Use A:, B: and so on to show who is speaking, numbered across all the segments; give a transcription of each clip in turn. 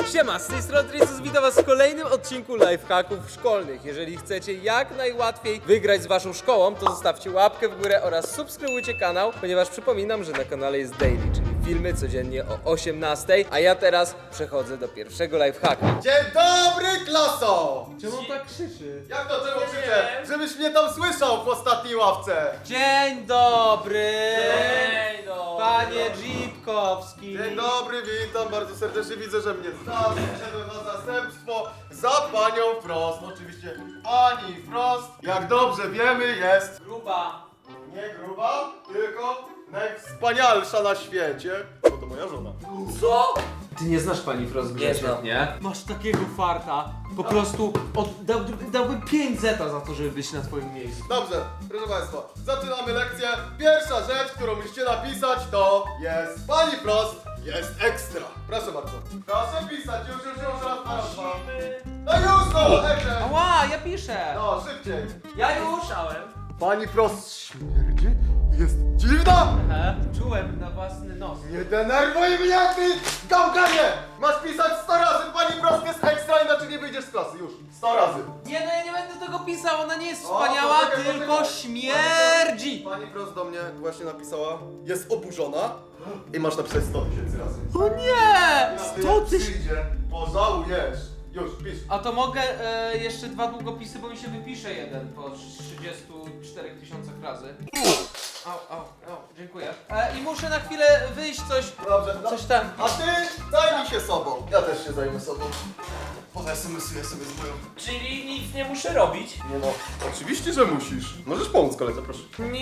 A: Siema, z tej strony Tricus, witam was w kolejnym odcinku lifehacków szkolnych. Jeżeli chcecie jak najłatwiej wygrać z waszą szkołą, to zostawcie łapkę w górę oraz subskrybujcie kanał, ponieważ przypominam, że na kanale jest daily, czyli filmy codziennie o 18, a ja teraz przechodzę do pierwszego lifehacka.
B: Dzień dobry, klaso!
A: Czemu on tak krzyczy?
B: Jak to czemu krzyczę? Żebyś mnie tam słyszał w ostatniej ławce!
A: Dzień dobry!
C: Dzień dobry.
A: Panie Dzipkowski!
B: Dzień dobry, witam bardzo serdecznie, widzę, że mnie znasz, przyszedłem na zastępstwo za panią Frost. Oczywiście pani Frost, jak dobrze wiemy, jest
C: Gruba.
B: nie gruba, tylko najwspanialsza na świecie. Bo to moja żona.
C: Co?
A: Ty nie znasz pani Frost Grzesiek,
C: znam.
A: nie? Masz takiego farta, po prostu dałbym 5 zeta za to, żeby być na twoim miejscu.
B: Dobrze, proszę państwa, zaczynamy lekcję. Pierwsza rzecz, którą musicie napisać, to jest pani Frost jest ekstra. Proszę bardzo. Proszę pisać, już raz. No już no, Ekrem.
A: Ała, ja piszę!
B: No, szybciej.
C: Ja już słyszałem.
B: Pani Frost śmierdzi? Jest dziwna?
A: Czułem na własny nos.
B: Nie denerwuj mnie, ty gałganie! Masz pisać 100 razy, pani Frost jest ekstra, inaczej nie wyjdziesz z klasy, już. 100 razy.
A: Nie, no ja nie będę tego pisał, ona nie jest
B: O,
A: wspaniała,
B: poczekaj,
A: tylko
B: poczekaj.
A: śmierdzi!
B: Pani Frost do mnie właśnie napisała, jest oburzona i masz napisać 100 000 razy.
A: O nie!
B: Na
A: 100
B: tym
A: tysięcy!
B: przyjdzie, pożałujesz. Już, pisz.
A: A to mogę jeszcze 2 długopisy, bo mi się wypisze jeden po 34 tysiącach razy. Au, dziękuję. I muszę na chwilę wyjść
B: Dobrze, no.
A: coś tam.
B: A ty zajmij się sobą. Ja też się zajmę sobą. SMS-uję sobie z moją.
C: Czyli nic nie muszę robić.
B: Nie no, oczywiście, że musisz. Możesz pomóc koledze, proszę.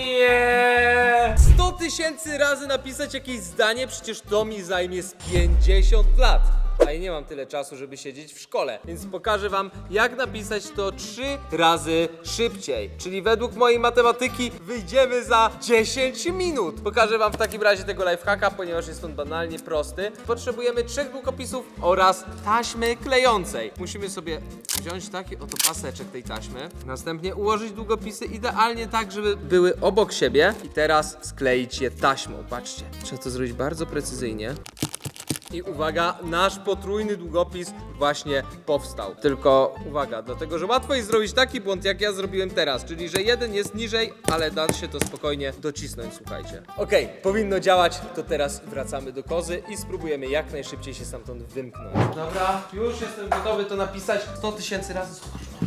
A: Nie! 100 tysięcy razy napisać jakieś zdanie, przecież to mi zajmie z 50 lat. A ja nie mam tyle czasu, żeby siedzieć w szkole, więc pokażę wam, jak napisać to 3 razy szybciej. Czyli według mojej matematyki wyjdziemy za 10 minut. Pokażę wam w takim razie tego lifehacka, ponieważ jest on banalnie prosty. Potrzebujemy 3 długopisów oraz taśmy klejącej. Musimy sobie wziąć taki oto paseczek tej taśmy, następnie ułożyć długopisy idealnie tak, żeby były obok siebie i teraz skleić je taśmą. Patrzcie, trzeba to zrobić bardzo precyzyjnie. I uwaga, nasz potrójny długopis właśnie powstał. Tylko uwaga, dlatego że łatwo jest zrobić taki błąd, jak ja zrobiłem teraz, czyli że jeden jest niżej, ale da się to spokojnie docisnąć, słuchajcie. Okej, powinno działać, to teraz wracamy do kozy i spróbujemy jak najszybciej się stamtąd wymknąć. Dobra, już jestem gotowy to napisać 100 tysięcy razy.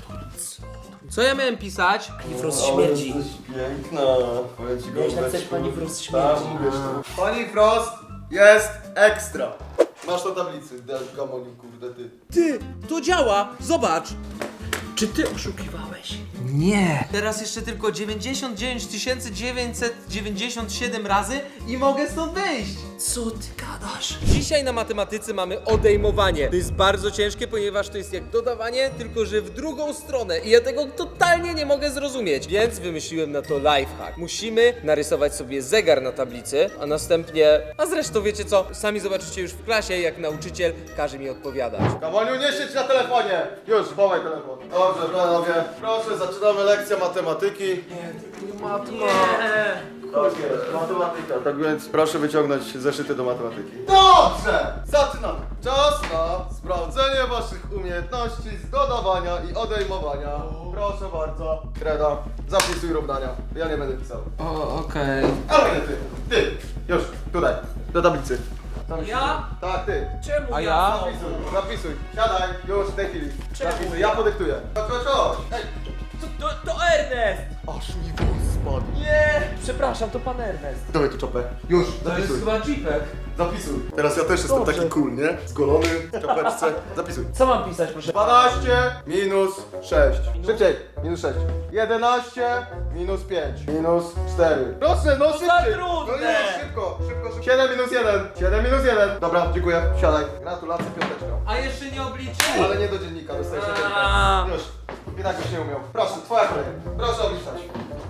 A: Co ja miałem pisać?
C: Pani Frost śmierdzi.
B: Jesteś piękna. Powiem ci
C: Miałeś napisać
B: gołąbeczku.
C: pani Frost śmierdzi.
B: Tak, mówisz to. Pani Frost jest ekstra. Masz na tablicy, gamoni, kurde ty.
A: Ty, to działa! Zobacz!
C: Czy ty oszukiwałeś?
A: Nie! Teraz jeszcze tylko 99 997 razy i mogę stąd wyjść!
C: Co ty gadasz?
A: Dzisiaj na matematyce mamy odejmowanie. To jest bardzo ciężkie, ponieważ to jest jak dodawanie, tylko że w drugą stronę i ja tego totalnie nie mogę zrozumieć. Więc wymyśliłem na to lifehack. Musimy narysować sobie zegar na tablicy, a następnie... A zresztą wiecie co? Sami zobaczycie już w klasie, jak nauczyciel każe mi odpowiadać.
B: Gamoniu, nie siedź na telefonie. Już, wołaj telefon. Dobrze, panowie. Proszę, zaczynamy lekcję matematyki.
C: Nie.
B: Tak jest, matematyka. Tak więc proszę wyciągnąć zeszyty do matematyki. Dobrze! Zaczynamy. Czas na sprawdzenie waszych umiejętności z dodawania i odejmowania. Proszę bardzo. Kreda, zapisuj równania. Ja nie będę pisał.
A: Okej.
B: Ale nie ty. Ty. Już, tutaj. Do tablicy. Tam
C: Ja?
B: Tak, ty.
C: Czemu
A: A
C: ja?
A: ja?
B: Zapisuj. Siadaj. Już, w tej chwili.
C: Czemu
B: Zapisuj.
C: ja?
B: Ja podyktuję. Chodź. Hej.
C: To Ernest!
B: Aż mi włos spadł.
C: Nie! Przepraszam, to pan Ernest.
B: Dawaj tu czopę. Już,
A: To jest
B: zapisuj.
A: chyba jeepek.
B: Zapisuj. Teraz ja też jestem
C: Dobrze.
B: taki cool, nie? Zgolony, w czapeczce. Zapisuj.
C: Co mam pisać, proszę?
B: 12 minus 6. Szybciej. Minus 6. 11 minus 5. Minus 4. Proszę, no szybciej.
C: trudne.
B: No już, szybko. 7 minus 1. 7 minus 1. Dobra, dziękuję. Siadaj. Gratulacje, piąteczka.
A: A jeszcze nie obliczył.
B: Ale nie do dziennika, dostajesz
A: A.
B: jedynkę. Już. I tak byś nie umiał. Proszę, twoja kolej. Proszę obliczać.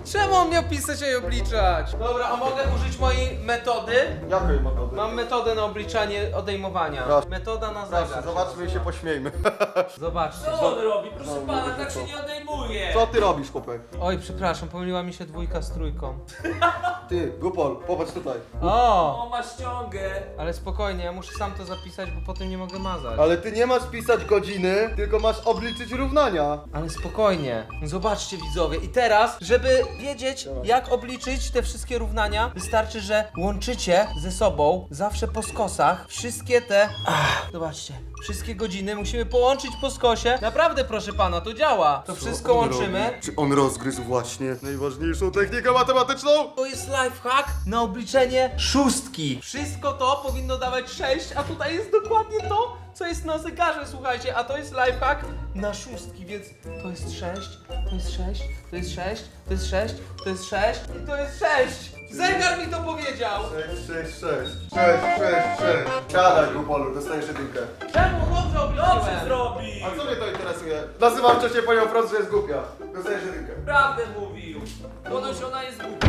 A: Czemu on miał pisać i obliczać? Dobra, a mogę użyć mojej metody?
B: Jakiej metody?
A: Mam metodę na obliczanie odejmowania.
B: Proszę.
A: Metoda na
B: Proszę,
A: zegar.
B: zobaczmy i się pośmiejmy.
A: Zobaczcie.
C: Co on robi? Proszę pana, tak się nie odejmuje.
B: Co ty robisz, chłopek?
A: Oj, przepraszam, pomyliła mi się dwójka z trójką.
B: Ty, Gupol, popatrz tutaj.
A: O!
C: O, ma ściągę.
A: Ale spokojnie, ja muszę sam to zapisać, bo potem nie mogę mazać.
B: Ale ty nie masz pisać godziny, tylko masz obliczyć równania.
A: Ale spokojnie. Zobaczcie widzowie. I teraz, żeby wiedzieć jak obliczyć te wszystkie równania, wystarczy, że łączycie ze sobą zawsze po skosach wszystkie te... zobaczcie. Wszystkie godziny musimy połączyć po skosie. Naprawdę proszę pana, to działa. To wszystko łączymy.
B: Czy on rozgryzł właśnie najważniejszą technikę matematyczną?
A: To jest lifehack na obliczenie szóstki. Wszystko to powinno dawać 6, a tutaj jest dokładnie to, co jest na zegarze, słuchajcie. A to jest lifehack na szóstki, więc to jest 6, to jest 6, to jest 6, to jest 6, to jest 6 i to jest 6. Zegar mi to powiedział.
B: 6, 6, 6. 6, 6, 6. Siadaj, Gupolu, dostajesz jedynkę.
A: Czemu? Dobrze
C: Dobrze
A: obliczyłem.
C: zrobi.
B: A co mnie to interesuje? Nazywam wcześniej panią wprost, że jest głupia. Dostajesz jedynkę.
C: Prawdę mówił. Ponoć ona jest głupia.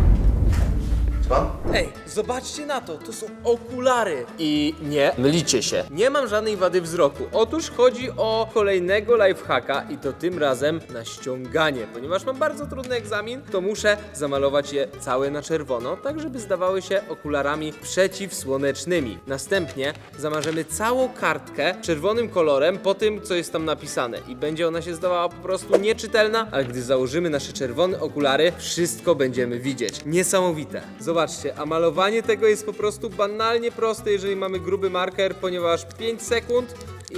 B: Pan?
A: Ej, zobaczcie na to, to są okulary. I nie mylicie się, nie mam żadnej wady wzroku. Otóż chodzi o kolejnego lifehacka i to tym razem na ściąganie. Ponieważ mam bardzo trudny egzamin, to muszę zamalować je całe na czerwono, tak żeby zdawały się okularami przeciwsłonecznymi. Następnie zamarzemy całą kartkę czerwonym kolorem po tym, co jest tam napisane. I będzie ona się zdawała po prostu nieczytelna, ale gdy założymy nasze czerwone okulary, wszystko będziemy widzieć. Niesamowite. Zobaczcie, a malowanie tego jest po prostu banalnie proste, jeżeli mamy gruby marker, ponieważ 5 sekund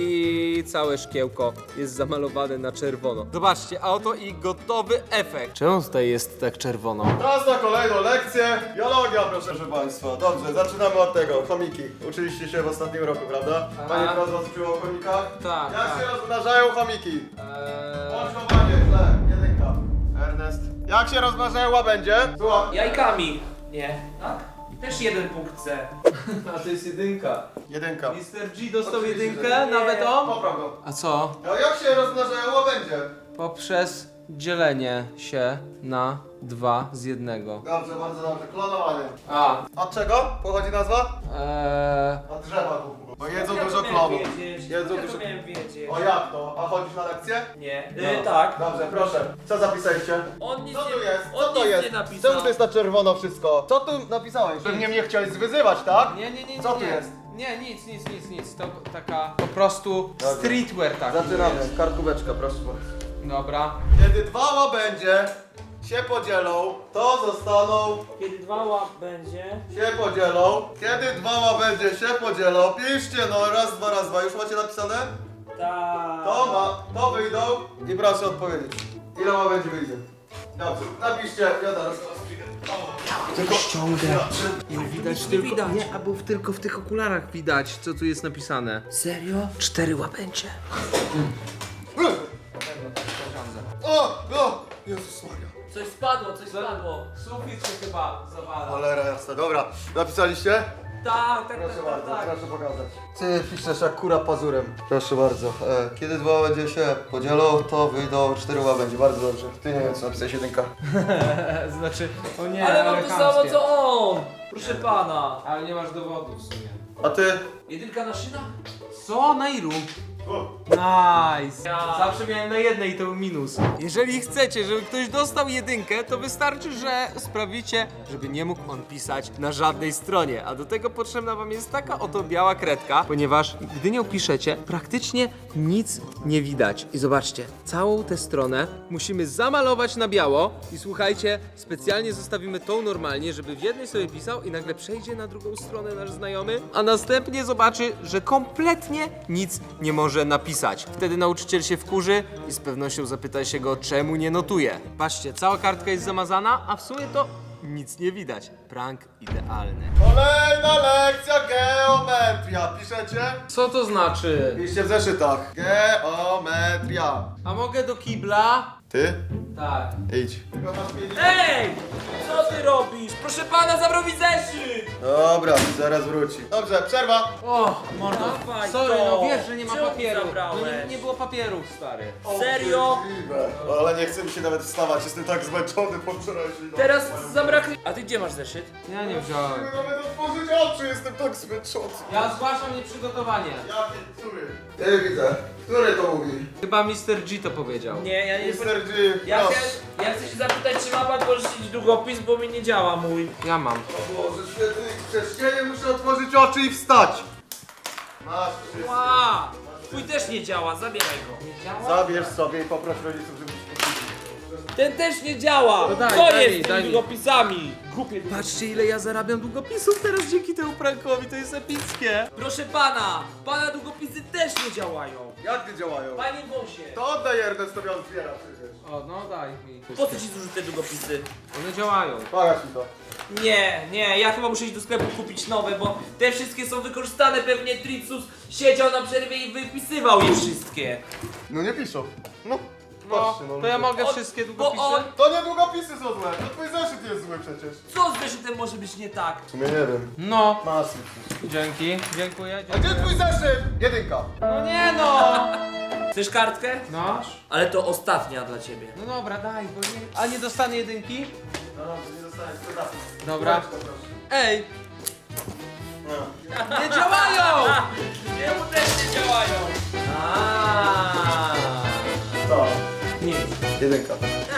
A: i całe szkiełko jest zamalowane na czerwono. Zobaczcie, a oto i gotowy efekt. Czemu tutaj jest tak czerwono?
B: Czas na kolejną lekcję. Biologia, proszę państwa. Dobrze, zaczynamy od tego. Chomiki. Uczyliście się w ostatnim roku, prawda? Pani
A: Aha.
B: Prost was uczyła o chomikach?
A: Tak,
B: Jak
A: tak.
B: się rozmnażają chomiki? Łączowanie, źle. Jedynka. Ernest. Jak się rozmnażają łabędzie? Słucham.
C: Jajkami. Nie. Tak? Też jeden punkt C.
A: A to jest jedynka.
B: Jedynka.
A: Mr. G dostał
B: Oczywiście,
A: jedynkę,
B: że nie.
A: nawet on?
B: Popraw go.
A: A co?
B: No jak się rozmnażają łabędzie?
A: Poprzez dzielenie się na 2 z 1.
B: Dobrze, bardzo dobrze. Klonowanie.
A: A,
B: Od czego pochodzi nazwa?
A: eee...
B: Od drzewa. Bo jedzą
C: Ja
B: dużo
C: to miałem
B: klonów.
C: wiedzieć.
B: Jedzą
C: Ja
B: dużo...
C: to miałem wiedzieć.
B: O jak to? A chodzisz na lekcję?
C: Nie.
A: No.
C: Tak.
B: Dobrze, proszę. Co zapisaliście?
C: On nic
B: Co tu
C: nie,
B: jest? Co
C: on
B: to
C: nic
B: jest?
C: nie napisał.
B: Czemu to jest na czerwono wszystko? Co tu napisałeś? Pewnie mnie chciałeś zwyzywać, tak?
A: Nie.
B: Co tu
A: nie.
B: jest?
A: Nie, nic. To taka po prostu
B: Dobra.
A: streetwear taki
B: Zaczynamy.
A: jest.
B: Kartkóweczka, proszę bardzo.
A: Dobra.
B: Kiedy dwa łabędzie się podzielą, to zostaną...
C: Kiedy dwa będzie.
B: Się podzielą. Kiedy dwa łabędzie się podzielą, piszcie no raz, dwa. Już macie napisane?
C: Tak.
B: To wyjdą i proszę odpowiedzieć. Ile łabędzi wyjdzie? Dobrze, napiszcie, ja teraz tylko
A: Ściągę. Nie widać
C: nie
A: tylko.
C: widać.
A: Nie, albo tylko w tych okularach widać, co tu jest napisane.
C: Serio?
A: 4 łabędzie.
B: O! Jezus Maria.
C: Coś spadło.
A: Sufit się chyba zawala.
B: Cholera jasna, dobra. Napisaliście?
C: Tak.
B: Proszę bardzo, proszę pokazać. Ty piszesz jak kura pazurem. Proszę bardzo. Kiedy dwa łabędzie się podzielą, to wyjdą 4 łabędzie. Bardzo dobrze. Ty nie wiem co napisałeś jedynka.
A: Znaczy, o nie,
C: Ale mam to samo
A: chamskie.
C: co on. Proszę pana.
A: Ale nie masz dowodu w sumie.
B: A ty?
C: Jedynka na szyna?
A: Co? Na ilu? Nice!
C: Ja.
A: Zawsze miałem na jednej i to był minus. Jeżeli chcecie, żeby ktoś dostał jedynkę, to wystarczy, że sprawicie, żeby nie mógł on pisać na żadnej stronie. A do tego potrzebna wam jest taka oto biała kredka, ponieważ gdy nią piszecie, praktycznie nic nie widać. I zobaczcie, całą tę stronę musimy zamalować na biało i słuchajcie, specjalnie zostawimy tą normalnie, żeby w jednej sobie pisał i nagle przejdzie na drugą stronę nasz znajomy, a następnie zobaczy, że kompletnie nic nie może napisać. Wtedy nauczyciel się wkurzy i z pewnością zapyta się go, czemu nie notuje. Patrzcie, cała kartka jest zamazana, a w sumie to nic nie widać. Prank idealny.
B: Kolejna lekcja geometria. Piszecie?
A: Co to znaczy?
B: Piszcie w zeszytach. Geometria.
A: A mogę do kibla?
B: Ty?
A: Tak.
B: Idź.
C: Ej! Co ty robisz? Proszę pana, zabrał mi zeszyt!
B: Dobra, zaraz wróci. Dobrze, przerwa.
A: O,
C: Mordo, dawaj
A: sorry,
C: to.
A: no wiesz, że nie ma
C: Czemu
A: papieru. No
C: zabrałeś?
A: nie było papierów, stary.
C: Serio?
B: Możliwe. Ale nie chce mi się nawet wstawać, jestem tak zmęczony po wczorajszej nocy.
C: Teraz zabraknie... A ty gdzie masz zeszyt?
A: Ja nie wziąłem.
B: Nie mogę nawet otworzyć oczy, jestem tak zmęczony.
A: Ja zgłaszam nieprzygotowanie.
B: Jaki? Który? Nie widzę. Który to mówi?
A: Chyba Mr. G to powiedział.
C: Nie, ja nie...
B: Mr. G.
C: Ja
B: proszę.
C: chcę się zapytać, czy ma pan pożyczyć długopis, bo mi nie działa mój.
A: Ja mam.
B: O Boże święty, przez ciebie muszę otworzyć oczy i wstać. Masz wszystko.
C: Ła! Twój też nie działa, zabieraj go.
A: Nie działa?
B: Zabierz sobie i poproś rodziców, żeby ci kupili.
C: Ten też nie działa!
A: No daj,
C: Co
A: daj
C: jest
A: mi,
C: z
A: daj
C: tymi
A: mi.
C: długopisami? Głupie.
A: Patrzcie, ile ja zarabiam długopisów teraz dzięki temu prankowi, to jest epickie.
C: Proszę pana długopisy też nie działają.
B: Jak nie działają?
C: Panie Wąsie,
B: To oddaj Ernestowi, on zbiera przecież.
A: O, no daj mi.
C: po co ci służą te długopisy?
A: One działają.
B: Pokaż mi to.
C: Nie, ja chyba muszę iść do sklepu kupić nowe, bo te wszystkie są wykorzystane. Pewnie Tricus siedział na przerwie i wypisywał je wszystkie.
B: No nie piszą. No.
A: No,
B: Patrzcie, no.
A: to ja mogę
C: On-
A: wszystkie
C: bo
A: długopisy?
C: on-
B: To nie długopisy są złe, to twój zeszyt jest zły przecież.
C: Co z zeszytem może być nie tak?
B: W sumie nie wiem.
A: No.
B: Masz.
A: Dzięki, dziękuję,
B: A gdzie
A: dziękuję.
B: twój zeszyt? Jedynka.
A: No nie no!
C: Chcesz kartkę?
A: No.
C: Ale to ostatnia dla ciebie.
A: No dobra, daj, bo nie... A nie dostanę jedynki?
B: No dobrze, nie dostaniesz, to dam.
A: Dobra.
B: Proszę.
A: Ej,
B: No.
A: nie działają!
C: Jemu też nie działają.
A: Aaaa.
B: To.
C: Nie.
B: Jedynka.